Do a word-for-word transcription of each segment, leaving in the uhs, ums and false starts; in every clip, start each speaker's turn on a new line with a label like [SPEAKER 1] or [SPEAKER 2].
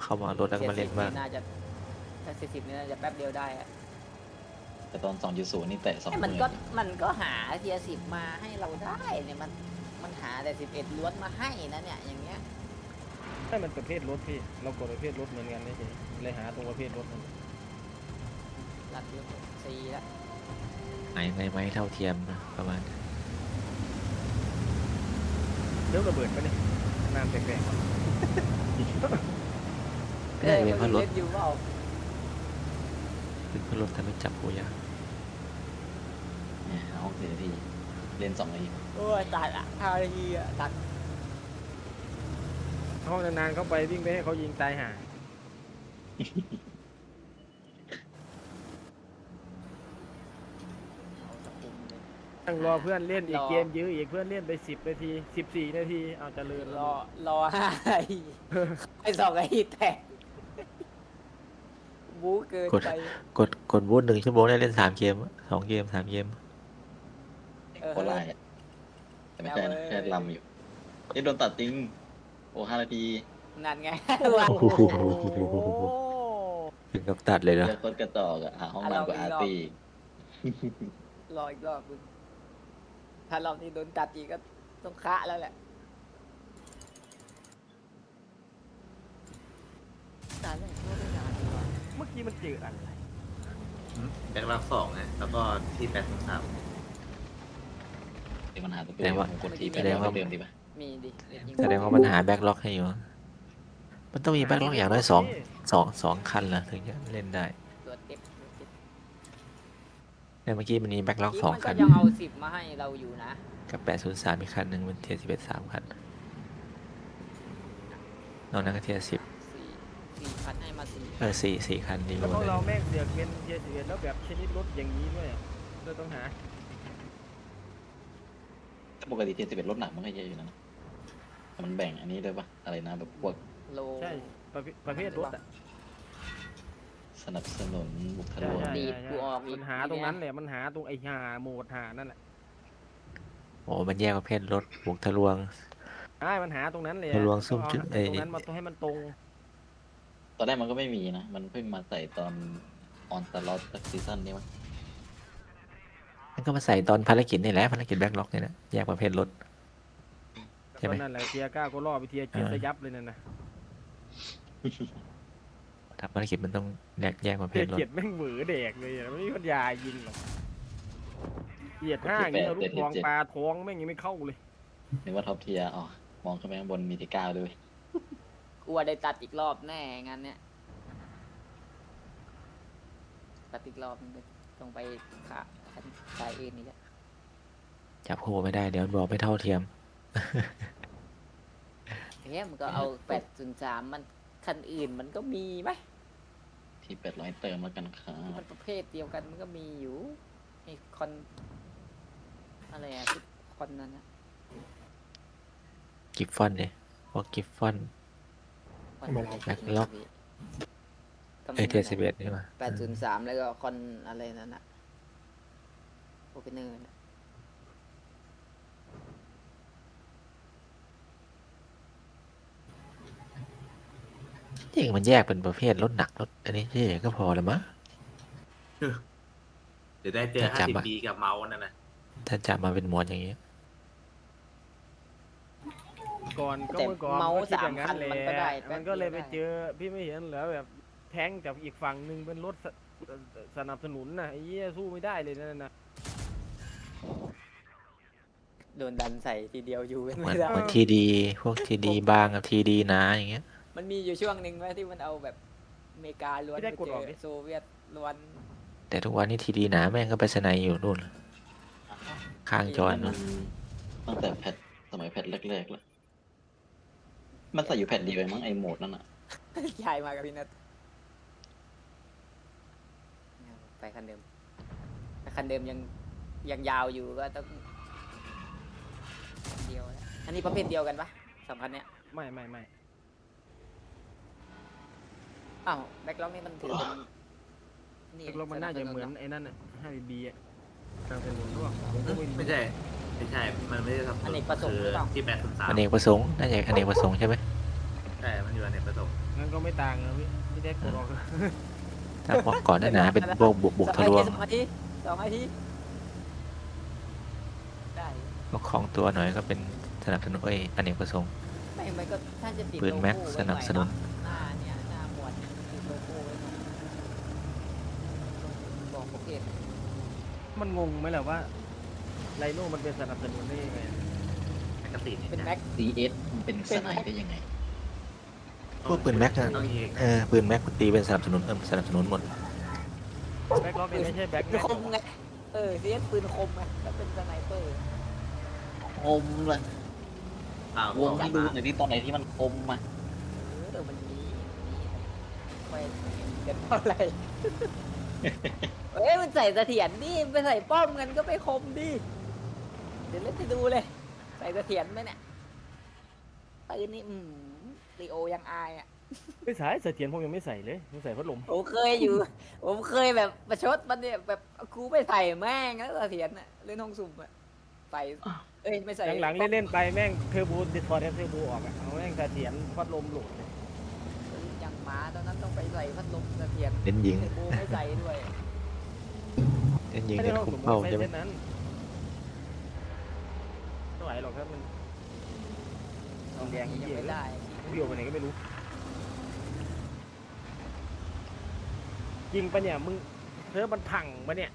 [SPEAKER 1] เข้ามารถแล้วก็มาเล่นบ้าง
[SPEAKER 2] น่าจะถ้าสี่สิบนี่น่าจะแป๊บเดียวได้อะ
[SPEAKER 3] แต่ตอนสองจุดศูนย์นี่แตะสองห
[SPEAKER 2] แต่มัน
[SPEAKER 3] มื่น
[SPEAKER 2] ก็มันก็หาเทียสิบมาให้เราได้เนี่ยมันมันหาแต่สิบเอ็ดล้วนมาให้นะเนี่ยอย่างเงี้ย
[SPEAKER 4] ให้มันประเภทรถพี่เรากดประเภทรถเหมือนกันเฉยๆเลยหาตรงประเภทรถมัน
[SPEAKER 2] หลักอยู่สี่แล้ว
[SPEAKER 1] ไหนในไม้เท่าเทียมนะประมาณ
[SPEAKER 4] เดี๋ยวระเบิดไปเนี่ยน้ำแปลกๆว่ะ
[SPEAKER 1] ไม่ได้เป็นเพราะรถ
[SPEAKER 2] เล่นอยู่เปล่า
[SPEAKER 1] เป็นเพราะรถแต่ไม่จับกูยาง
[SPEAKER 3] เนี่ยเอาเสียทีเล่นสองนาที
[SPEAKER 2] โอ้ยตัดอ่ะห้านาทีอ่ะตัด
[SPEAKER 4] ห้องนานๆเข้าไปวิ่งไปให้เขายิงตายห่า
[SPEAKER 2] เอาสกุลเลย
[SPEAKER 4] ตั้งรอเพื่อนเล่นอีก
[SPEAKER 2] รอ
[SPEAKER 4] เกมยื้ออีกเพื่อนเล่นไปสิบนาทีสิบสี่นาทีเอาเจริญ
[SPEAKER 2] รอรอห้านาทีไอ้สองนาทีแตกบู๊เกินไป
[SPEAKER 1] กดกดบูทหนึ่งชั่วโมงได้เล่นสามเกมสองเกมสามเกม
[SPEAKER 2] เออ
[SPEAKER 3] โคตรไล่อะแต่ไม่ใช่นะแค่ลำอยู่นี่โดนตัดจริงโอ้ห้านาที
[SPEAKER 2] นั่นไง
[SPEAKER 1] โอ้โหถึงกับตัดเลยเนาะ
[SPEAKER 3] เลือกโคตรกระจอกอะหาห้องน้ำกับอาร์ตี้
[SPEAKER 2] รออีกรอบมึงถ้ารอบนี้โดนตัดอีกก็ต้องคะแล้วแหละตายแล้วก็ไม่นานดีกว่า
[SPEAKER 4] เมื่อกี้มันเจออะไร
[SPEAKER 5] แบ็คล็อกสองนะแล้วก็ที่แปดสองสาม
[SPEAKER 3] เดี๋ยวมันหาตัวเองผมกดทีไปแล้วเดิมดีป่ะ
[SPEAKER 2] มีดิเล่นยิง
[SPEAKER 1] แสดงว่ามันหาแบ็คล็อกให้อยู่ มันต้องมีแบ็คล็อกอย่างน้อยสองสองสองคันเหรอถึงจะเล่นได้
[SPEAKER 2] ตัวเต็มตัวเต็ม
[SPEAKER 1] แต่เมื่อกี้มันมีแบ็คล็อกสอง
[SPEAKER 2] มัน
[SPEAKER 1] คั
[SPEAKER 2] ก็
[SPEAKER 1] น
[SPEAKER 2] ยังเอาสิบมาให้เราอยู่นะ
[SPEAKER 1] กับแปดศูนย์สามอีกคันหนึ่งเป็นเทียร์สิบเอ็ดสามคันนอกนั้นก็เทียร์สิบ
[SPEAKER 2] สี่สี่พันให้มาสี่
[SPEAKER 1] เออสี่สี่คันดีหม
[SPEAKER 4] แล้ว
[SPEAKER 1] ด
[SPEAKER 4] พวก
[SPEAKER 1] เลย
[SPEAKER 4] เราแม่งเสือกเป็นเทียร์สิบเอ็ดแล้วแบบชนิดรถอย่างนี้ด้วยอะเราต้องหา
[SPEAKER 3] ปกติเทียร์สิบเอ็ดรถหนักมันก็เยอะอยู่นะแต่มันแบ่งอันนี้ด้วยป่ะอะไรนะแบบพวก
[SPEAKER 2] โล
[SPEAKER 4] ใช่ประเภทประเภทรถอ่ะ
[SPEAKER 3] สนับสนุนบุค
[SPEAKER 4] ใช่
[SPEAKER 3] ลาก
[SPEAKER 4] ใช่
[SPEAKER 3] ร
[SPEAKER 2] ดีด
[SPEAKER 4] ใช่
[SPEAKER 2] กูออกอี
[SPEAKER 4] มั
[SPEAKER 2] ก
[SPEAKER 4] นหาตรงนั้นแหละมันหาตรงไอ้หาโหมดหานั่นแหละ
[SPEAKER 1] โอ้มันแยกประเภทรถบุกทะลวง
[SPEAKER 4] ใช่มันหาตรงนั้นเลย
[SPEAKER 1] ทะลวงซุ่มจุด
[SPEAKER 4] เอา
[SPEAKER 1] เอ้ย
[SPEAKER 4] ตรงนั้นมาให้มันตรง
[SPEAKER 3] ตอนแรกมันก็ไม่มีนะ มันเพิ่งมาใส่ตอนออนสล็อตสักซีซั่นนี้มั้ง
[SPEAKER 1] มันก็มาใส่ตอนภารกิจนี่แหละภารกิจแบ็คล็อกนี่นะแยกประเภทรถ ใช่ไหม
[SPEAKER 4] ตอนนั้นแหละเทียร์เก้าก็ล่อไปเทียร์เจ็ด
[SPEAKER 1] เออ
[SPEAKER 4] สยับเลยนั่นนะ
[SPEAKER 1] ทำภารกิจมันต้องแยกแยกประเภ
[SPEAKER 4] เทีย
[SPEAKER 1] ท
[SPEAKER 4] ร์
[SPEAKER 1] รถ
[SPEAKER 4] เจ็ดแม่งเหวอแดกเลยอะไม่มีปัญญายิงหรอกเหยียดห้าอย่างเงี้ยเอาลูกทองปลาท้องแม่งยังไม่เข้าเลย
[SPEAKER 3] นึกว่าท็อปเทียร์อ๋อมองขึ้นไปข้างบนมีที่เก้าด้วย
[SPEAKER 2] กูว่าได้ตัดอีกรอบแน่งั้นเนี่ยตัดอีกรอบนึงต้องไปขาคันสายเอ็นนี่แหละ
[SPEAKER 1] จับคู่ไม่ได้เดี๋ยวบอกไม่เท่าเทียม
[SPEAKER 2] เฮ้ยมันก็เอาแปดศูนย์สามมันคันอื่นมันก็มีไหม
[SPEAKER 3] ที่แปดร้อยเติมแล้วกันครั
[SPEAKER 2] มั
[SPEAKER 3] บ
[SPEAKER 2] นประเภทเดียวกันมันก็มีอยู่ไอ้คอนอะไรอะที่คอนนั้นนะ
[SPEAKER 1] กิฟฟอนเนี่ยพวกกิฟฟอน แบ็คล็อก เอเทียสิบเอ็ดนี่มา
[SPEAKER 2] แปดศูนย์สามแล้วก็คอนอะไรนั่นอะโอเปเนอร์นะ
[SPEAKER 1] จริงมันแยกเป็นประเภทรถหนักรถอันนี้ที่ก็พอแล้วมั้ง
[SPEAKER 5] เดี๋ยวได้เจอ
[SPEAKER 1] จะ
[SPEAKER 5] ห้า
[SPEAKER 1] จับ
[SPEAKER 5] สิบ
[SPEAKER 1] อะ
[SPEAKER 5] ปีกับเมาส์นั่นนะ
[SPEAKER 1] ถ้าจับมาเป็นหมวดอย่างนี้
[SPEAKER 4] ก่อนก็
[SPEAKER 2] แต่
[SPEAKER 4] เมื่อก่อน
[SPEAKER 2] เมาส์
[SPEAKER 4] ก็คิด
[SPEAKER 2] สา
[SPEAKER 4] อ
[SPEAKER 2] ม
[SPEAKER 4] ย่างนั้
[SPEAKER 2] คั
[SPEAKER 4] น
[SPEAKER 2] น
[SPEAKER 4] แหละ
[SPEAKER 2] มันก็ได้แป๊
[SPEAKER 4] มั
[SPEAKER 2] บ
[SPEAKER 4] นก็เลยไป
[SPEAKER 2] ดีวด้
[SPEAKER 4] เจอพี่ไม่เห็นเหรอแบบแท้งจากอีกฝั่งหนึ่งเป็นรถสสนับสนุนนะไอ้เหี้ยสู้ไม่ได้เลยนั่นนะ
[SPEAKER 2] โดนดันใส่ทีเดียวอยู่เป็น
[SPEAKER 1] เหมือ
[SPEAKER 2] ไม่
[SPEAKER 1] น
[SPEAKER 2] ได้
[SPEAKER 1] เหมือนทีดีพวกทีดีบางกับทีดีหนาอย่างเงี้ย
[SPEAKER 2] มันมีอยู่ช่วงหนึ่งไหมที่มันเอาแบบอเมริกาล้วนไปเจอโซเวียตล้วน
[SPEAKER 1] แต่ทุกวันนี้ทีดีหนาแม่งก็ไปสไนอยู่นู่นข้างจอ
[SPEAKER 3] มัน
[SPEAKER 1] นู่น
[SPEAKER 3] ตั้งแต่แพทสมัยแพทแรกๆแล้วมันใส่อยู่แพทเดียวเองมั้งไอโหมดนั่นอ่ะ
[SPEAKER 2] ยายมากับพี่นัทไปคันเดิมถ้าคันเดิมยังยังยาวอยู่ก็ต้องเดียวนะอันนี้ประเภทเดียวกันปะสองคันเนี้ย
[SPEAKER 4] ไม่ไม่ไม่
[SPEAKER 2] อ้าวแบ็คล็อกนี่มันถือเป็น
[SPEAKER 4] ตกลงมันน่าจะเหมือนไอ้นั่นน่ะห้าบีบีอ่ะสนับสนุนร่วมผมก็ไม่รู้
[SPEAKER 5] ไม่ใช่ ไม่ใช่ มันไม่ได้ทำ
[SPEAKER 2] อเนกประสงค์
[SPEAKER 5] คื
[SPEAKER 2] หรือเปล่า
[SPEAKER 5] ที่แปดสองสาม
[SPEAKER 1] อเนกประสงค์น่าจะอเนกประสงค์ใช่ไหม
[SPEAKER 5] ใช่ มันอยู่อเนกประสงค์
[SPEAKER 4] งั้นก็ไม่ต่างนะพี่พี่แท็กกดออก
[SPEAKER 1] ถ้าบล็อกก่อนหนาๆเป็นพวกบวกบวกทะลวง
[SPEAKER 2] สองนาทีสองนาทีได้
[SPEAKER 1] บล็อกของตัวหน่อยก็เป็นสนับสนุนเอ้ยอเนกประสงค์
[SPEAKER 2] ไม่มันก็ถ้าจะติด
[SPEAKER 1] ปืนแม็ก
[SPEAKER 2] โลโก้
[SPEAKER 1] สนับสนุน
[SPEAKER 2] ไว้หอยเาะหน้าเนี่ยหน้าหมวดติดโลโก้ไว้หน่อยบอกโอเค
[SPEAKER 4] มันงงไหมล่ะว่าไลโน่มันเป็นสนับสนุนได้ยังไง
[SPEAKER 5] แมกกาซีน
[SPEAKER 2] เป็นแม็ก
[SPEAKER 3] ซี เอส มันเป็นสไนด์ได้ยังไง
[SPEAKER 1] พวกปืนแม็กอะ
[SPEAKER 5] ต้องยิง
[SPEAKER 1] เออปืนแม็กตีเป็นสนับสนุนเออสนับสนุนหมด
[SPEAKER 4] แบ็คล็อกเนี่ยไม่ใช่แบ็ค
[SPEAKER 2] ปื
[SPEAKER 4] แม็
[SPEAKER 2] น
[SPEAKER 4] ก
[SPEAKER 2] คมไงเออเสียปืนคมไงถ้าเป็นสไนเปอร์
[SPEAKER 3] คมเลย
[SPEAKER 5] อ้าว
[SPEAKER 3] วงให้ดูหน่อยที่ตอนไหนที่มันคมมา
[SPEAKER 2] เออมันมีมีไปกันเท่าไหร่ เอ้ยมันใส่เสถียรนี่ไปใส่ป้อมกันก็ไปคมดิเดี๋ยวเล่นให้ดูเลย ใส่เสถียรไหมเนี่ยปืนนี่อืมลีโอยังอายอ่ะ
[SPEAKER 4] ไม่ใส่เสถียรผมยังไม่ใส่เลยผมใส่พัดลม
[SPEAKER 2] ผมเคยอยู่ ผมเคยแบบประชดมันเนี่ยแบบกูไม่ใส่แม่งแล้วเสถียรอ่ะเล่นห้องสุ่มอ่ะใส่เอ้ยไม่ใส่
[SPEAKER 4] หลังๆเล่นๆไปแม่งเทอร์โบดิทอร์เทอร์โบออกอะเอาแม่งเสถียรพัดลมโหลดเลย
[SPEAKER 2] อย่างหมาตอนนั้นต้องไปใส่พัดลมเสถียร
[SPEAKER 1] เน้นยิง
[SPEAKER 2] เทอร์โบไม่ใส่ด้วย
[SPEAKER 1] เน้นยิง
[SPEAKER 4] ไม่ได้
[SPEAKER 1] เน้น
[SPEAKER 4] ลอง
[SPEAKER 1] คุ
[SPEAKER 4] ส
[SPEAKER 1] ม
[SPEAKER 4] มม
[SPEAKER 1] เป้า
[SPEAKER 4] ติใช้
[SPEAKER 1] ใช่ไหม
[SPEAKER 4] เส้นนั้นไม่ไหวหรอกครับมันแดง
[SPEAKER 2] ยัง
[SPEAKER 4] เยี่ย
[SPEAKER 2] ไม่
[SPEAKER 4] เลย
[SPEAKER 2] ได้
[SPEAKER 4] วิ่งไปไหนก็ไม่รู้จริงปะเนี่ยมึงเธอมันพังปะเนี่ย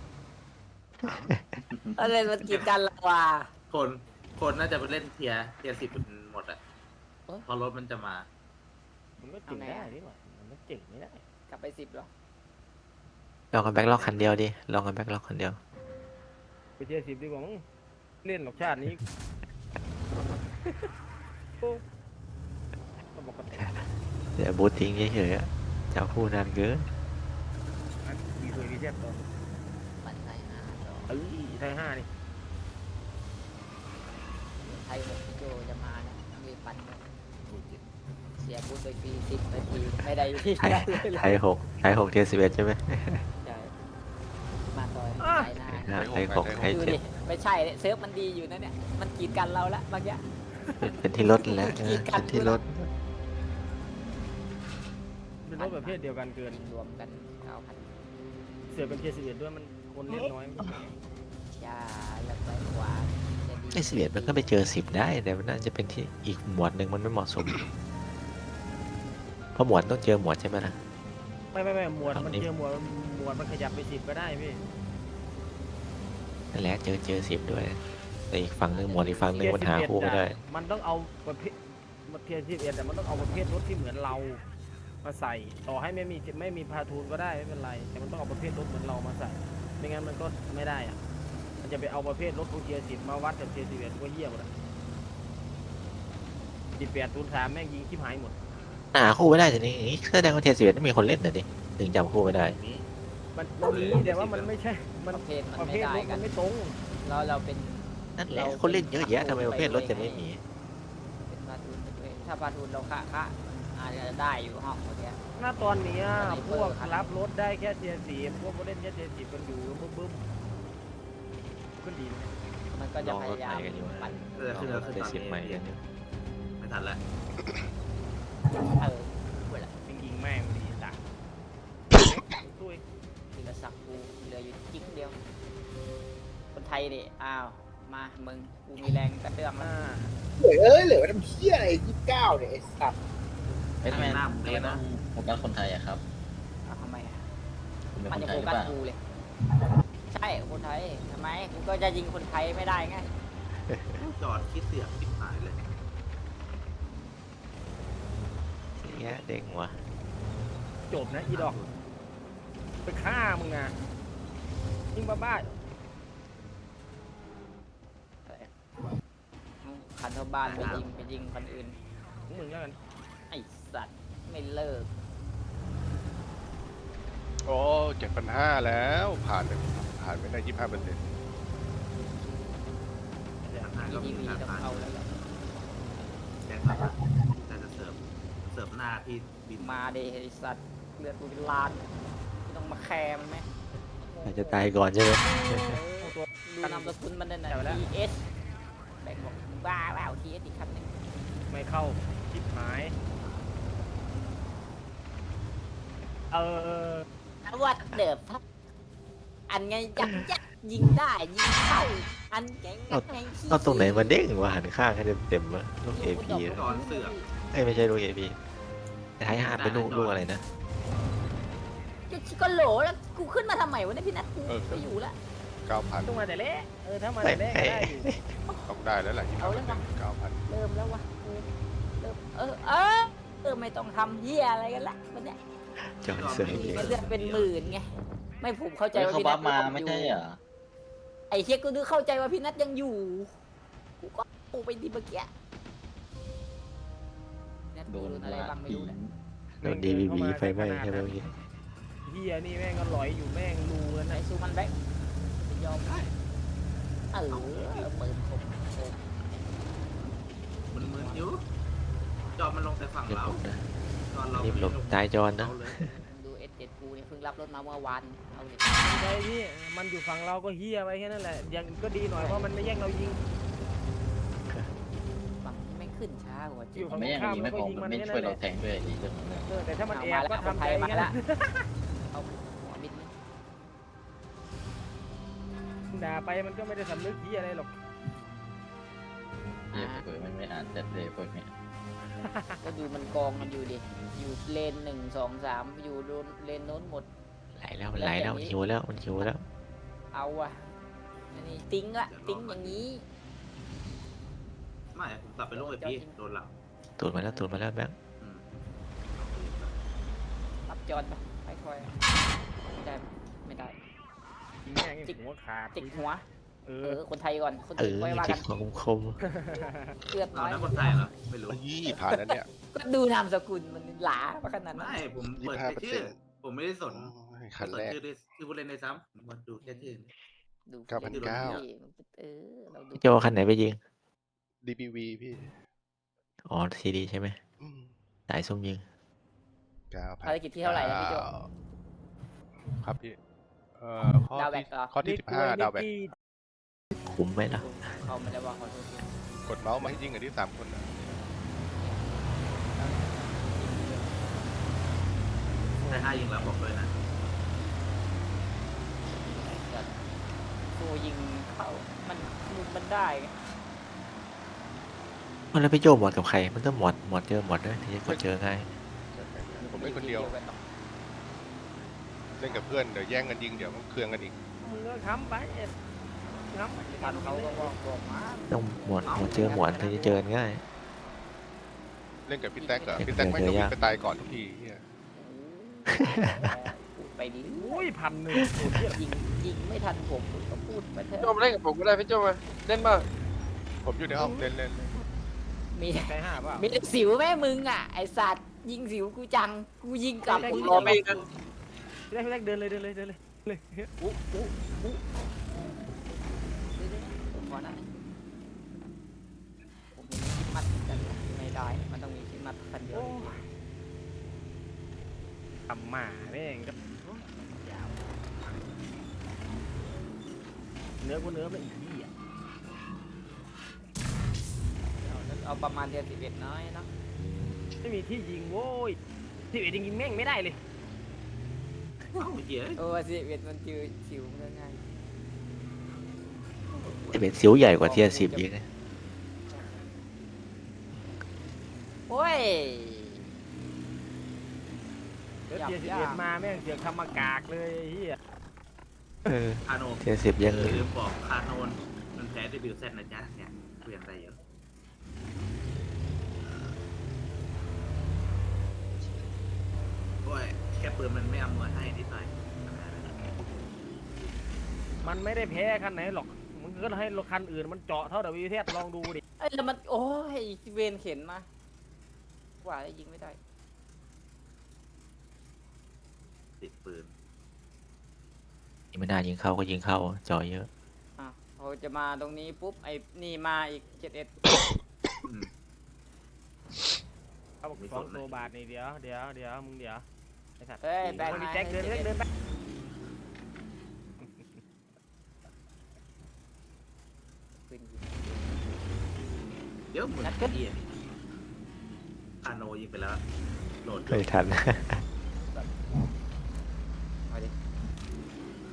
[SPEAKER 2] อะไรมันกีดกันละว่า
[SPEAKER 5] คนคนน่าจะไปเล่นเทียร์เทียร์สิบหมดอ่ะ
[SPEAKER 2] เอ้ย
[SPEAKER 5] พอรถมันจะมา
[SPEAKER 4] มันก็เจ๋งได้นี่หว่ามันก็เจ๋งไม่ได้
[SPEAKER 2] กลับไปสิบหรอ
[SPEAKER 1] ลองกันแบ็คล็อกคันเดียวดิลองกันแบ็คล็อกคันเดียว
[SPEAKER 4] ไปเทียร์สิบดีกว่ามั้งเล่นหรอกชาตินี้ โอ้ก็บอกกัน
[SPEAKER 1] เดี๋ยวบูททิ้งเฉยๆอะจะเอาคู่นานเกิน
[SPEAKER 4] อันมีเคยมีแทบตอน
[SPEAKER 2] มันไทยห้าต่อ
[SPEAKER 4] เอ้ยไทยห้านี่
[SPEAKER 2] ไทยหกพี่โจจะมานะมีปันกันเสียบูธไปฟรีสิบนาทีไม่ได้ที่
[SPEAKER 1] ไทย
[SPEAKER 2] ได้เลย
[SPEAKER 1] ไทยหกไทยหกเทียสิบเอ็ดใช่ไหม
[SPEAKER 2] ใช่มาต่อยไทยหน้า
[SPEAKER 1] อ่าไทยหกไทย
[SPEAKER 2] ดู
[SPEAKER 1] เจ็
[SPEAKER 2] ดิ
[SPEAKER 1] ด
[SPEAKER 2] ไม่ใช่เนี่ยเซิร์ฟมันดีอยู่นะเนี่ยมันกีดกันเราละบางอย่าง
[SPEAKER 1] เป็นเป็นที่รถแล้วเออเป็นที่รถ
[SPEAKER 4] เป็นรถประเภทเดียวกันเกิน
[SPEAKER 2] รวมกันเก้าพัน
[SPEAKER 4] เสือเป็นเทียร์สิบเอ็ดด้วยมันคนเล่นน้อย
[SPEAKER 2] ยาแล้วไปขวาจะดี
[SPEAKER 1] ไอ้สิบเอ็ดมันก็ไปเจอสิบได้แต่มันน่าจะเป็นที่อีกหมวดหนึ่งมันไม่เหมาะสมเพราะหมวดต้องเจอหมวดใช่ไหมล่ะ
[SPEAKER 4] ไม่ไม่ไม่หมวด
[SPEAKER 1] ฝั่ง
[SPEAKER 4] มัน
[SPEAKER 1] นี้
[SPEAKER 4] เจอหมวดหมวดมันขยับไปสิบก็ได้พี่
[SPEAKER 1] นั่นแหละเจอเจอสิบด้วยแต่อีกฝั่งหนึ่งหมวดอีกฝั่งหนึ่งมันหาคู่ไม่ได้
[SPEAKER 4] มันต้องเอาประเภทมันเทียร์สิบเอ็ดแต่มันต้องเอาประเภทรถที่เหมือนเรามาใส่ ต่อให้ไม่มีไม่มีพาทูนก็ได้ไม่เป็นไร แต่มันต้องเอาประเภทรถเหมือนเรามาใส่ ไม่งั้นมันก็ไม่ได้อะมันจะไปเอาประเภทรถของเทียร์สิบมาวัดกับเทียร์สิบเอ็ดก็เหี้ยหมดอะสิบแปดทูนสามแม่งยิงชิบหายหมด
[SPEAKER 1] หาคู่ไม่ได้ทีนี้อย่างนี้แสดงว่าเทียสิบเอ็ดไม่มีคนเล่นนะดิถึงจำคู่ไม่ได้
[SPEAKER 5] นี้
[SPEAKER 4] มันมันมีแต่ว่ามันไม่ใช่ มัน
[SPEAKER 2] ประเภทมัน
[SPEAKER 4] ประ
[SPEAKER 2] ไม่
[SPEAKER 4] เภท
[SPEAKER 2] ได้
[SPEAKER 4] รถ
[SPEAKER 2] กั
[SPEAKER 4] มัน นไม่ตรง
[SPEAKER 2] เราเราเป็น
[SPEAKER 1] นั่นแหละคนเล่นเยอะแยะทำไมประเภทรถจะไม่มี
[SPEAKER 2] เป็นพาทูนไปด้วยถ้าพาทูนเราคะคะอาจจะได้อยู่ห้องเมื่อกี้
[SPEAKER 4] หน้าตอนเนี้ย
[SPEAKER 2] สไนเป
[SPEAKER 4] พ
[SPEAKER 2] อร์
[SPEAKER 4] วก
[SPEAKER 2] คัน
[SPEAKER 4] รับรถได้แค่เทียร์สี่พวกเล่นแค่เทียร์สี่กันอยู่บึ้มบึ้มขึ้นดีนะ
[SPEAKER 2] มันก็
[SPEAKER 1] ล
[SPEAKER 2] จะ
[SPEAKER 1] อง
[SPEAKER 2] พ
[SPEAKER 1] รถ
[SPEAKER 2] ยายา
[SPEAKER 1] ให
[SPEAKER 2] ม
[SPEAKER 1] ม่กันอยู่
[SPEAKER 2] ปั่น
[SPEAKER 5] เออคือ
[SPEAKER 1] ล
[SPEAKER 5] เรา
[SPEAKER 1] องร
[SPEAKER 5] คือ
[SPEAKER 1] ถ
[SPEAKER 5] ตอน
[SPEAKER 1] สิบ
[SPEAKER 5] นี้
[SPEAKER 1] ใหม่กันอยู่
[SPEAKER 5] ไม่ทันแล้ว
[SPEAKER 2] เออเวลา
[SPEAKER 4] ยิงยิงแม่งดีจ้ะตุ้ย
[SPEAKER 2] ทีละสักกูเหลืออยู่จิ๊กเดียว คนไทยดิอ้าว มามึงกูมีแรงกระเตื้องแล้
[SPEAKER 4] อ่าว
[SPEAKER 6] เหลือเอ้ยเหลือไว้ทำเพี้ยอะไรยี่สิบเก้าเนี่ยไอ้สัตว์
[SPEAKER 3] ไม่ทำไมทำไมต้องโฟกัสคนไทยอะครับ
[SPEAKER 2] เอาทำไมอะ
[SPEAKER 3] คุณเป็น
[SPEAKER 2] มั
[SPEAKER 3] คน น
[SPEAKER 2] จะ
[SPEAKER 3] ไท
[SPEAKER 2] โฟ
[SPEAKER 3] ยหรือ
[SPEAKER 2] กัส
[SPEAKER 3] เปล่า
[SPEAKER 2] กูเลย ใช่คนไทยทำไมกูก็จะยิงคนไทยไม่ได้ไง
[SPEAKER 5] จอดคิดเสียงปิดหายเลย
[SPEAKER 1] เสียเด้งว่ะ
[SPEAKER 4] จบนะอีดอกไปฆ่ามึงอ่ะยิงบ้าบ้า
[SPEAKER 2] คันเท่าบ้านไปยิงไปยิงคนอื่น
[SPEAKER 4] ของมึงแล้วกัน
[SPEAKER 2] ไอสัตว์ไม่เลิก
[SPEAKER 7] โอ้เจ็ดพันห้าแล้วผ่านไปผ่านไปได้ยี่สิบห้าเปอร์เซ็นต์
[SPEAKER 5] ทางก็
[SPEAKER 2] ที
[SPEAKER 5] มี
[SPEAKER 2] วี
[SPEAKER 5] การ
[SPEAKER 2] ต้อง
[SPEAKER 5] ผ่าน
[SPEAKER 2] เอาแล้วแหละ
[SPEAKER 5] แจ้งมาแต่จะเสิร์ฟเสิร์ฟหน้าพี่บิน
[SPEAKER 2] มาเดไอสัตว์เลือดกูเป็นล้านไม่ต้องมาแคร์มันไหม
[SPEAKER 1] อาจจะตายก่อนใช่ไหม
[SPEAKER 2] ดูนามสกุลมันนั่นน่ะ ที เอส แบงค์บอกบ้าเปล่า ที เอส อีกคันหนึง
[SPEAKER 4] ไม่เข้าชิบหายเออ
[SPEAKER 2] วัดเดิบทับอันไงยักยักยิงได้ยิงเข้าอันแกงงัดไงขี้
[SPEAKER 1] เอาตรงไหนมาเด้งวะหันข้างให้เต็มๆวะลูกเอพี
[SPEAKER 5] ตอนเสือก
[SPEAKER 1] เอ้ยไม่ใช่ลูกเอพีท้ายหาดเป็นลูกลูกอะไรนะ
[SPEAKER 2] จะชิก็โหลแล้วกูขึ้นมาทำไมวะเนี่ยพี่นัทกู
[SPEAKER 7] เออ
[SPEAKER 2] ไปอยู่ละ
[SPEAKER 7] เก้าพัน
[SPEAKER 4] ต้องมาแต่เละเออถ้ามาแต่เละก็ได้อยู่
[SPEAKER 7] ต้องได้แล้วแหละยี่ห้าเปอร์เซ็นต์เก้าพัน
[SPEAKER 2] เริ่มแล้ววะเออเริ่มเออเออเออไม่ต้องทำเฮียอะไรกันละวันเนี้ย
[SPEAKER 1] จอยเสือเอง
[SPEAKER 2] เดือนเป็นหมื่นไงไม่ผมเข้าใจ
[SPEAKER 3] เฮ้ย
[SPEAKER 2] ว่า
[SPEAKER 3] เขา
[SPEAKER 2] พี่
[SPEAKER 3] บั
[SPEAKER 2] นั
[SPEAKER 3] ฟ
[SPEAKER 2] ท
[SPEAKER 3] มา
[SPEAKER 2] ยัง
[SPEAKER 3] ไม่
[SPEAKER 2] อยู่
[SPEAKER 3] ใช่เหรอ
[SPEAKER 2] ไอ้เฮียกูนึกเข้าใจว่าพี่นัทยังอยู่กูก็ปูไปดีเมื่อกี้นัท
[SPEAKER 3] โด
[SPEAKER 2] โด
[SPEAKER 3] น
[SPEAKER 2] นอะไรบ้างไม่
[SPEAKER 3] ผี
[SPEAKER 2] รู้นะ
[SPEAKER 1] โดนดีวีบีไฟไหม้ใช่ไหมเมื่อกี้
[SPEAKER 4] เฮียนี่แม่งก็ลอยอยู่แม่งรูแล้ว
[SPEAKER 2] ไอ้
[SPEAKER 4] นะ
[SPEAKER 2] ซูมันแบ็คยอมได้เออเปิดคมคม
[SPEAKER 5] มันมึนอยู่จอมันลงแต่ฝั่ง
[SPEAKER 1] เดี๋ยว
[SPEAKER 5] เรา
[SPEAKER 1] ผมนะ
[SPEAKER 5] จอเรา
[SPEAKER 1] รีบหลบตายจอนนะ
[SPEAKER 5] เราเลย
[SPEAKER 2] ดูเอสเจ็ดกูเนี่ยเพิ่งรับรถมาเมื่อวานเอาเลย
[SPEAKER 4] ไอ้พี่มันอยู่ฝั่งเราก็เฮียไปแค่นั้นแหละยังก็ดีหน่อยเพราะมันไม่แย่งเรายิง
[SPEAKER 2] ฝั่งนี้ไม่ขึ้นช้ากว่าจริ
[SPEAKER 4] อยู่
[SPEAKER 2] ง
[SPEAKER 4] ฝั่ง
[SPEAKER 3] ไม่ยังยิงไม่พอมันไม่ช่วยเราแทงด้วยอีกเรื่องหนึง
[SPEAKER 4] เออแต่ถ้ามัน
[SPEAKER 2] เอา
[SPEAKER 4] แอ
[SPEAKER 2] มา
[SPEAKER 4] บ
[SPEAKER 2] แล้ว
[SPEAKER 4] ก็ทำใจ
[SPEAKER 2] มา
[SPEAKER 4] กัน
[SPEAKER 2] แล้ว
[SPEAKER 4] นะ
[SPEAKER 2] เอาหัวบิดนี่
[SPEAKER 4] ด่าไปมันก็ไม่ได้สำนึกเฮียอะไรหรอก
[SPEAKER 3] เหี้ยเผื่อมันไม่อ่านแต่เลยพวกเนี้ย
[SPEAKER 2] ก็ดูมันกองมันอยู่ดิอยู่เลนหนึ่งสองสามอยู่โดนเลนโน้นหมด
[SPEAKER 1] ไหลแล้วมันไหลแล้วมันหิวแล้วมันหิวแล้ว
[SPEAKER 2] เอาอะอันนี้ติ้งละติ้งอย่างนี้
[SPEAKER 5] ไม่ผมกลับไปลูกไอพี่โดนหลัง
[SPEAKER 1] ตูดมาแล้วตูดมาแล้วแบงค์
[SPEAKER 5] อืม
[SPEAKER 2] รับจอนไปค่อยๆไม่ได้ไม่ได้
[SPEAKER 4] ยิงแม่งไอ้หัวขาด
[SPEAKER 2] จิกหัว
[SPEAKER 4] เอ
[SPEAKER 2] เอ
[SPEAKER 4] อ
[SPEAKER 2] อคนไทยก่อนคน
[SPEAKER 1] เอ
[SPEAKER 2] อื่น
[SPEAKER 1] อ
[SPEAKER 2] ค่อยว่า
[SPEAKER 1] จิ
[SPEAKER 2] กั
[SPEAKER 1] ก
[SPEAKER 2] น
[SPEAKER 1] หัวคม
[SPEAKER 2] เลือด
[SPEAKER 5] เอา
[SPEAKER 2] น้อย
[SPEAKER 5] นะคนไทยเหรอไม่รู้
[SPEAKER 7] ยี่ผ่านแล้วเนี่ย
[SPEAKER 2] ก็ดูนามสกุลมันหลาปะขนาดนั้น
[SPEAKER 5] ไม่ผมเปิดแต่ชื่อ ผมไม่ได้สน
[SPEAKER 7] โอ้ยคัน
[SPEAKER 5] สน
[SPEAKER 7] แรก
[SPEAKER 5] ชื่อด้วยชื่อผู้เล่นในซ้ำผมมาดูแค่ชื่อ
[SPEAKER 2] ดู
[SPEAKER 7] เก้าพันเก้า
[SPEAKER 2] เออเราดู
[SPEAKER 1] ๆโจคันไหนไปยิง
[SPEAKER 7] ดีบีวีพี่
[SPEAKER 1] อ๋อซีดีใช่ไหม
[SPEAKER 7] อืม
[SPEAKER 1] สายซุ่มยิง
[SPEAKER 7] เก้าพัน
[SPEAKER 2] ภารกิจที่เท่าไหร่นะพี่โจ
[SPEAKER 7] ครับพี่เอ่อข้อ
[SPEAKER 2] ดาวแบ
[SPEAKER 7] ที่
[SPEAKER 2] กเหรอ
[SPEAKER 7] ข้อที่สิบห้าดาวแบก
[SPEAKER 1] คุ้มไหมล่ะ
[SPEAKER 2] เขาไม่ได้ว่าขอโทษ
[SPEAKER 7] กดเมาส์มาให้ยิงกันที่สามคนนะ
[SPEAKER 5] แต่ห้ายิงแล้วบอกเลยนะ
[SPEAKER 2] ตัวยิงเข้ามันมุมมันได้ไง
[SPEAKER 1] มันแล้วไปโจหมดกับใครมันต้องหมดหมดเจอหมดด้วยถึงจะกดเจอง่าย
[SPEAKER 7] ผมเล่นคนเดียว เล่นกับเพื่อนเดี๋ยวแย่งกันยิงเดี๋ยวมันเครืองกันอีก
[SPEAKER 4] มึงก็ค้ำไปค้ำไป
[SPEAKER 2] ทันเขาก็บอกบอกมา
[SPEAKER 1] ต้องหมดหมดเจอหมดถึงจะเจอง่าย
[SPEAKER 7] เล่นกับพี่แท็กเหรอ
[SPEAKER 1] เล่น
[SPEAKER 7] พี่แท็กไม่
[SPEAKER 1] เจอ
[SPEAKER 7] ต้องวิ่
[SPEAKER 1] ยาก
[SPEAKER 7] งไปตายก่อนทุกทีเหี้ย
[SPEAKER 2] พูดไปดิ
[SPEAKER 4] อุ้ยพันหนึ่งโอ้ยเหี้ย
[SPEAKER 2] ยิงยิงไม่ทันผมก็พูดไปเถ
[SPEAKER 8] โจ
[SPEAKER 2] อะ
[SPEAKER 8] มาเล่นกับผมก็ได้พี่โจมาเล่นมา
[SPEAKER 7] ผมอยู่ในห้องเล่นเล่นเล่น
[SPEAKER 2] มี
[SPEAKER 4] ใช้ห้าเปล่า
[SPEAKER 2] มีแต่สิวแม่มึงอ่ะไอสัตว์ยิงสิวกูจังกูยิงกลับ
[SPEAKER 8] ผม
[SPEAKER 2] กู
[SPEAKER 8] รอพี่นะ
[SPEAKER 4] พี่แรกพี่แรกเดินเลยเดินเลยเดินเลยเลย
[SPEAKER 2] อุ๊อุ๊อุ๊ผมขอนะผมมีคิดมัดกันไม่ได้มันต้องมีคิดมัดคันเดียว
[SPEAKER 4] โอ้ยทำหมาแม่งก็ยาวเนื้อกูเนื้อไม่อีกที่อ่ะ
[SPEAKER 2] เอาเอาประมาณเดือนสิบเอ็ดน้อยเนาะ
[SPEAKER 4] ไม่มีที่ยิงโว้ยที่เอ็ดยิงแม่งไม่ได้เลย
[SPEAKER 5] เอ้าเหี้ย
[SPEAKER 2] เออสิบเอ็ดมันจือสิวมันง่าย
[SPEAKER 1] จะเป็นสิวใหญ่กว่าเทียสิบยิงนะ
[SPEAKER 2] โอ้ย
[SPEAKER 4] เดี๋ยว
[SPEAKER 2] หยับ
[SPEAKER 4] เทียสิบ
[SPEAKER 2] ยาก
[SPEAKER 4] เอ็ดมาแม่งเสือกทำมากากเลยไอ้เฮีย
[SPEAKER 1] เออ
[SPEAKER 5] คาโน
[SPEAKER 1] เทียสิบยัง
[SPEAKER 5] ลืมบอกคาโนนมันแพ้ดีบิวเซตนะจ๊ะเนี่ยเปลี่ยนอะไรเยอะโอ้ยแค่ปืนมันไม่อำนวยให้นิดหน่อย
[SPEAKER 4] มันไม่ได้แพ้คันไหนหรอกมันก็ให้รถคันอื่นมันเจาะเท่าดับวิเทสลองดูดิ
[SPEAKER 2] เอ้ยแล้วมันโอ้ยเวนเข็นมาว่าแล้วยิงไม่ได้
[SPEAKER 5] ติดปืน
[SPEAKER 1] ไม่น่ายิงเข้าก็ยิงเข้าจอเยอะ
[SPEAKER 2] อ่ะพอจะมาตรงนี้ปุ๊บไอ้นี่มาอีกเจ็ดเอ็ด
[SPEAKER 5] อืม
[SPEAKER 4] เขาบอกสองโลบาทนี่เดี๋ยวเดี๋ยวเดี๋ยวมึงเดี๋ยวไอ้สัตว์
[SPEAKER 2] เฮ้ยแบง
[SPEAKER 4] คน
[SPEAKER 2] ค์
[SPEAKER 4] นี้
[SPEAKER 2] มา
[SPEAKER 4] แจ็คเดินเดินเดินไป
[SPEAKER 2] ปืนยิง
[SPEAKER 5] เดี๋ยวเหมือน
[SPEAKER 2] นัดขึ้น
[SPEAKER 5] เอียคาโนยิงไปแล้วโหลด
[SPEAKER 1] ไม่ทัน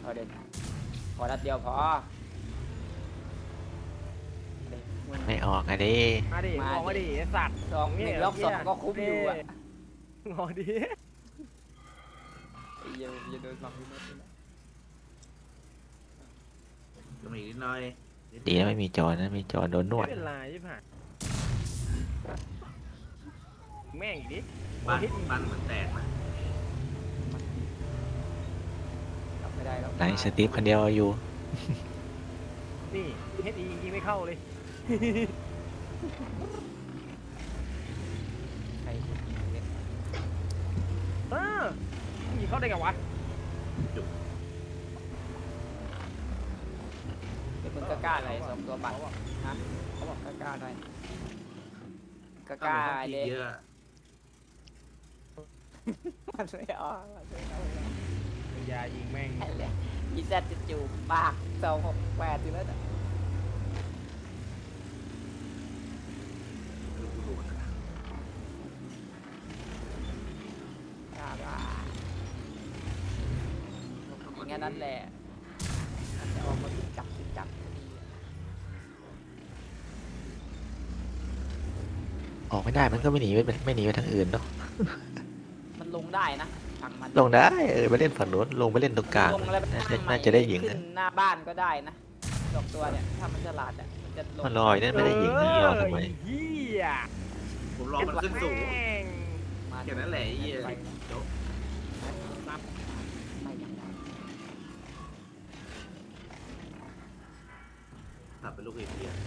[SPEAKER 2] เดินขอนัดเดียวพอเด็กมึง
[SPEAKER 1] ไม่ออกอะดิ
[SPEAKER 4] มาดิ
[SPEAKER 2] มาดิ
[SPEAKER 4] มองมาดิไอ้สัตว์
[SPEAKER 2] สองหนึ่งล็อกสองก็คุ้มอยู่อ่ะ
[SPEAKER 4] งอดิ
[SPEAKER 2] ไอ้เหี้ยอย่าโดนหมักพี่มดเลยนะ
[SPEAKER 5] ก็มีนิดหน่อย
[SPEAKER 1] ดีนะไม่มีจอนะมีจอโดนนวด
[SPEAKER 4] ไม่เป็นไรใช่ไหมแม่งอีกดิ
[SPEAKER 5] บ้านบ้านเหมือนแตกนะ
[SPEAKER 2] กลับไม่ได้แล้ว
[SPEAKER 1] ไหนสตีฟคนเดียวอยู่
[SPEAKER 4] นี่เฮดอียิงไม่เข้าเลย
[SPEAKER 2] ใครยิงเล่น
[SPEAKER 4] เออยิงเข้าได้ไงวะ
[SPEAKER 2] เดี๋ยวมึงก็กล้าอะไรสองตัวบัตรฮะเขาบอกกล้าๆหน่อยก
[SPEAKER 5] ก็
[SPEAKER 2] ล้า
[SPEAKER 5] มีห้อง
[SPEAKER 2] ๆ
[SPEAKER 5] กิ
[SPEAKER 2] เล
[SPEAKER 5] น
[SPEAKER 2] ย
[SPEAKER 5] เยอะ
[SPEAKER 2] มันไม่ออกมันไม่เอา
[SPEAKER 4] ยายิงแม่ง
[SPEAKER 2] ไอ้เลยอีแซดจะจูบปากสองหกแปดอยู่แล้วนะ
[SPEAKER 5] ลูกดูนะ
[SPEAKER 2] กล้าว่าอย่างนั้นแหละมันจะออกมาติดจับติดจับพอดี
[SPEAKER 1] ออกไม่ได้มันก็ไม่หนีไม่ไม่หนีไปทางอื่นเนาะ
[SPEAKER 2] มันลงได้นะฝั่งมัน
[SPEAKER 1] ลงได้เออไปเล่นฝั่งโน้นลงไปเล่นตรงกลาง
[SPEAKER 2] ลงแล้วไป
[SPEAKER 1] น่า
[SPEAKER 2] ตั้
[SPEAKER 1] จะ
[SPEAKER 2] งใหม่
[SPEAKER 1] น่าจะได้ยิง
[SPEAKER 2] ขึ้
[SPEAKER 1] นะ
[SPEAKER 2] นหน้าบ้านก็ได้นะดอกตัวเนี่ยถ้ามันฉลาดอ่ะมันจะลง
[SPEAKER 1] มันลอยนั่นไม่ได้ยิงนี่รอทำไม
[SPEAKER 4] เฮีย
[SPEAKER 5] ผมรอมันขึ้นสูง
[SPEAKER 4] แม่ง
[SPEAKER 2] มา
[SPEAKER 5] แค่นั้นแหละไอ้เหี้ย
[SPEAKER 2] ไป
[SPEAKER 5] โจ๊ก
[SPEAKER 2] นับไปยังไง
[SPEAKER 5] ตัดเป็นลูกเหี้ย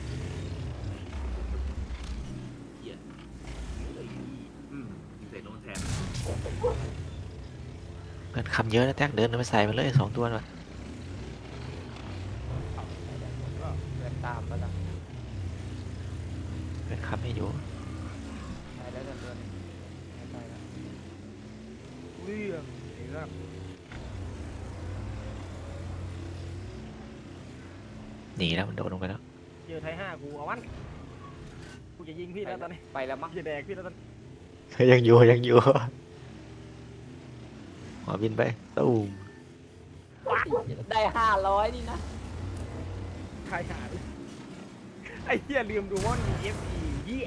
[SPEAKER 5] เหี้ยอืมยิงใส่โดนแทน
[SPEAKER 1] เงินคำเยอะนะแท็กเดินไปใส่มันเลยสองตัวน่ะ
[SPEAKER 2] เดินตามไปแล้ว
[SPEAKER 1] เงินคำไม่อยู่
[SPEAKER 2] ไปแล้วเดินเดินไปแล้ว
[SPEAKER 4] เรื่องไอ้ครับ
[SPEAKER 1] หนีแล้วมันโดดลงไปแล้ว
[SPEAKER 4] เจอไทยห้ากูเอาวันกูจะยิงพี่แล้วตอนนี้
[SPEAKER 2] ไปแล้วมั้ง
[SPEAKER 4] กูจะแดกพี่แล้วตอนนี้
[SPEAKER 1] ยังอยู่ยังอยู่หอบินไปตูม
[SPEAKER 2] ได้ห้าร้อยนี่นะ
[SPEAKER 4] ใครหาดิไอ้เหี้ยลืมดูว่ามีเอฟอีเหี้ย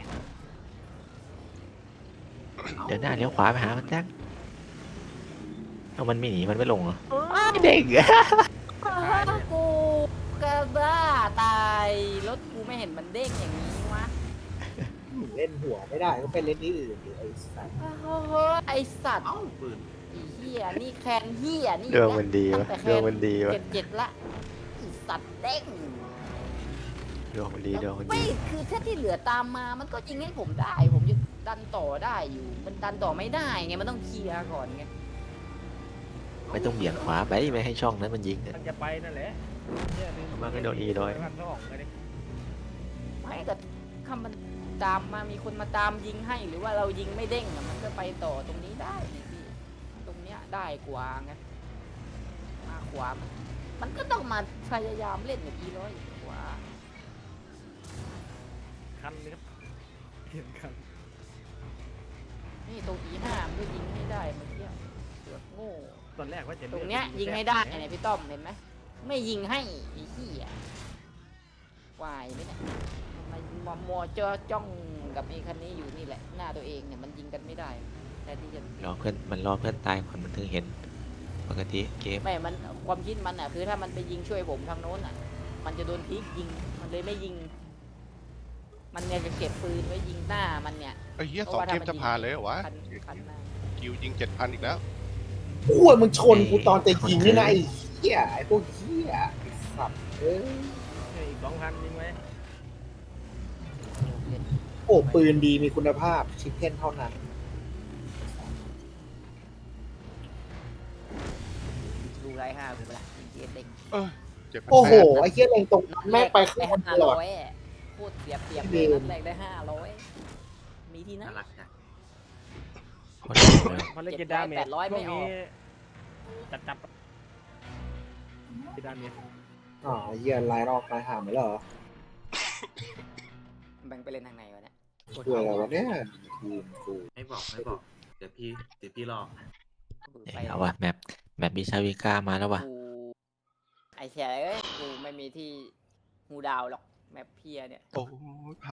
[SPEAKER 1] เดี๋ยวหน้าเลี้ยวขวาไปหามันแท็กเอามันไม่หนีมันไม่ลงเหรอ
[SPEAKER 4] เออ
[SPEAKER 1] ไอ้เด็กอะ
[SPEAKER 2] กูกระบ้าตายรถกูไม่เห็นมันเด้งอย่างนี้วะ
[SPEAKER 6] เล่นหัวไม่ได้ก็ไปเล่นที่อื่นดิไอ้สัตว์
[SPEAKER 2] โอ้โหไอสัตว์
[SPEAKER 5] เอ้าปืน
[SPEAKER 2] ไอ้เฮียนี่แคนเฮียนี่
[SPEAKER 1] ดวงมันดี
[SPEAKER 2] ตั้
[SPEAKER 1] วะ
[SPEAKER 2] งแต่แค
[SPEAKER 1] ดวง
[SPEAKER 2] น
[SPEAKER 1] มันดีวะ
[SPEAKER 2] เจ็ดเจ็ดละไอ้สัตว์เด้ง
[SPEAKER 1] ดวงมันดีดวงมัน
[SPEAKER 2] ไม่
[SPEAKER 1] ดี
[SPEAKER 2] คือถ้าที่เหลือตามมามันก็ยิงให้ผมได้ ผมจะดันต่อได้อยู่ มันดันต่อไม่ได้ไงมันต้องเคลียร์ก่อนไง
[SPEAKER 1] ไม่ต้องเบี่ยงขวาไปไม่ให้ช่องนั้นมันยิงอะ
[SPEAKER 4] มันจะไปนั่นแหละเหี้ยลื
[SPEAKER 1] มันก็โดนอีด้วย
[SPEAKER 4] พันสองเลยดิ
[SPEAKER 2] ไม่แต่ถ้ามันตามมามีคนมาตามยิงให้หรือว่าเรายิงไม่เด้งอะมันก็ไปต่อตรงนี้ได้นี่พี่ตรงเนี้ยได้กว่าไงมาขวามันมันก็ต้องมาพยายามเล่นอย่างอีร้อยกว่า
[SPEAKER 4] คันเลยครับเห็นคัน
[SPEAKER 2] นี่ตรงอีห้ามันก็ยิงไม่ได้เมื่อกี้เสือกโง่
[SPEAKER 4] ตอนแรกว่าจะ
[SPEAKER 2] ตรงเนี้ยยิงให้ได้เนี่ยพี่ต้อมเห็นไหมไม่ยิงให้ไอ้ขี้อ่ะวายไหมเนี่ยมันมัวมัวจ้อจ้องกับไอ้คันนี้อยู่นี่แหละหน้าตัวเองเนี่ยมันยิงกันไม่ได้แต่ที่จะ
[SPEAKER 1] รอเพื่อนมันรอเพื่อนตายก่อนมันถึงเห็นปกติเกม
[SPEAKER 2] ไม่มันความคิดมันอ่ะคือถ้ามันไปยิงช่วยผมทางโน้นอ่ะ มันจะโดนพีกยิงมันเลยไม่ยิง มันเนี่ยจะเก็บปืนไว้ยิงหน้ามันเนี่ย
[SPEAKER 7] ไอ้เหี้ยสองเกมจะผ่านเลยเหรอวะ
[SPEAKER 2] คันคันหน้า
[SPEAKER 7] กิวยิงเจ็ดพันอีกแล้ว
[SPEAKER 6] อ้วนมึงชนกูตอนจะยิงนี่นะไอ้เหี้ยไอ้พวกเหี้ยไอ้สัตว์เอ้ย
[SPEAKER 4] อีกสองพันยิงไหม
[SPEAKER 6] โอ้ปืนดีมีคุณภาพชิปเพ่นเท่านั้น
[SPEAKER 2] ดูไรห้ากูไปละยิงเจเด็ก
[SPEAKER 7] เจ็ดพัน
[SPEAKER 6] โอ้โห
[SPEAKER 7] แปด
[SPEAKER 6] ไอ้เหี้ยเล็งตรงแม่งไปข้าง
[SPEAKER 2] ได้
[SPEAKER 6] บนต
[SPEAKER 2] ห้า
[SPEAKER 6] ลอ
[SPEAKER 2] ร้
[SPEAKER 6] ด
[SPEAKER 2] อยโคตรเสียเปรียบเลยนัดแรกได้ห้าร้อยมีที่ไหน
[SPEAKER 5] น่ารักจัง
[SPEAKER 1] คนเดียวเลย
[SPEAKER 4] มันเลยกินดาเมจ
[SPEAKER 2] แปดร้อยไม่
[SPEAKER 4] ช่วง
[SPEAKER 2] ออก
[SPEAKER 4] นี้จับจับกินดาเมจ
[SPEAKER 6] อ๋อไอ้เหี้ยลายรอบลายหามเหรอ
[SPEAKER 2] แบ่งไปเล่นทางไหนวะเนี่ย
[SPEAKER 6] ช่วยอะไรวะเนี่ยทีมกู
[SPEAKER 5] ไม่บอกไม่บอก เดี๋ยวพี่เดี๋ยวพี่รอ
[SPEAKER 1] เอาวะแมปแมปบิชาวิก้ามาแล้ววะ
[SPEAKER 2] กูไอ้เชี่ยเอ้ยกูไม่มีที่งูดาวหรอกแมปเพียเนี่ย
[SPEAKER 7] โอ้ย